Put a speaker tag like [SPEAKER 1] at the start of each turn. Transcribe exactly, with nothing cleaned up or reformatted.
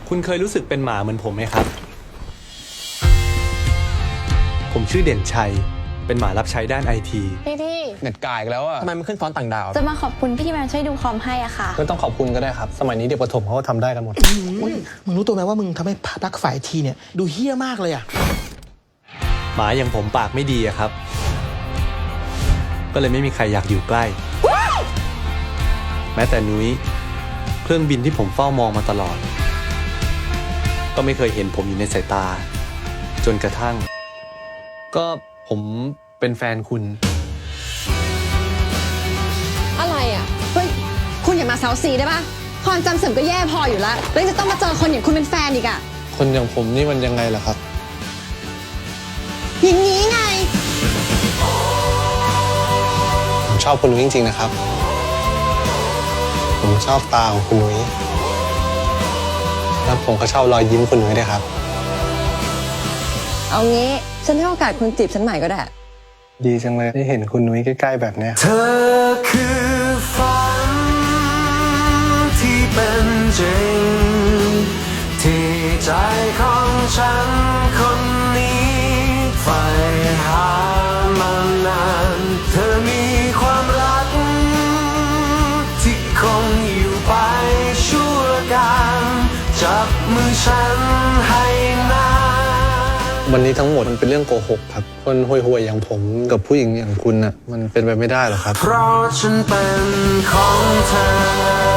[SPEAKER 1] คุณเคยรู้สึกเป็นหมาเหมือนผมไหมครับ ผมชื่อเด่นชัยเป็นหมารับใช้ด้านไอที
[SPEAKER 2] พี่ที่
[SPEAKER 3] เน็ตกายอีกแล้วอะทำไมมันขึ้นฟอนต์ต่างดาว
[SPEAKER 2] จะมาขอบคุณพี่ที่มาช่วยดูคอมให้อ่ะค่ะ
[SPEAKER 3] ไม่ต้องขอบคุณก็ได้ครับ สมัยนี้เด็กประถมเขาก็ทำได้กันหมด
[SPEAKER 4] มึงรู้ตัวไหมว่ามึงทำให้ภาพลักษณ์ฝ่ายทีเนี่ยดูเฮี้ยมากเลยอะ
[SPEAKER 1] หมาอย่างผมปากไม่ดีอะครับ ก็เลยไม่มีใครอยากอยู่ใกล้ แม้แต่นุ้ยเครื่องบินที่ผมเฝ้ามองมาตลอด ก็ไม่เคยเห็นผมอยู่ในสายตา จนกระทั่ง ก็ผมเป็นแฟนคุณ
[SPEAKER 5] อะไรอ่ะ เฮ้ย คุณอย่ามาเซาซีได้ปะความจำเสื่อมก็แย่พออยู่แล้วแล้วยังจะต้องมาเจอคนอย่างคุณเป็นแฟนอีกอ่ะ
[SPEAKER 3] คนอย่างผมนี่มันยังไงล่ะครับ
[SPEAKER 5] อย่างนี้ไง
[SPEAKER 3] ผมชอบคุณนุ้ยจริงๆนะครับ ผมชอบตาของคุณนุ้ยแล้วผมก็ชอบรอยยิ้มคุณนุ้ยด้วยครับ
[SPEAKER 5] เอางี้ ฉันให้โอกาสคุณจีบฉันใหม่ก็ได้
[SPEAKER 3] ดีจังเลยได้เห็นคุณนุ้ยใกล้ๆแบบเนี้ย
[SPEAKER 6] เธอคือฝันที่เป็นจริงที่ใจของฉันคนนี้ใฝ่หามานานเธอมีความรักที่คงอยู่ไปชั่วการจับมือฉันให้นาน
[SPEAKER 3] วันนี้ทั้งหมดมันเป็นเรื่องโกหกครับ คนห่วยๆอย่างผมกับผู้หญิงอย่างคุณน่ะมันเป็นไปไม่ได้หรอกครับ
[SPEAKER 6] เพราะฉันเป็นของเธอ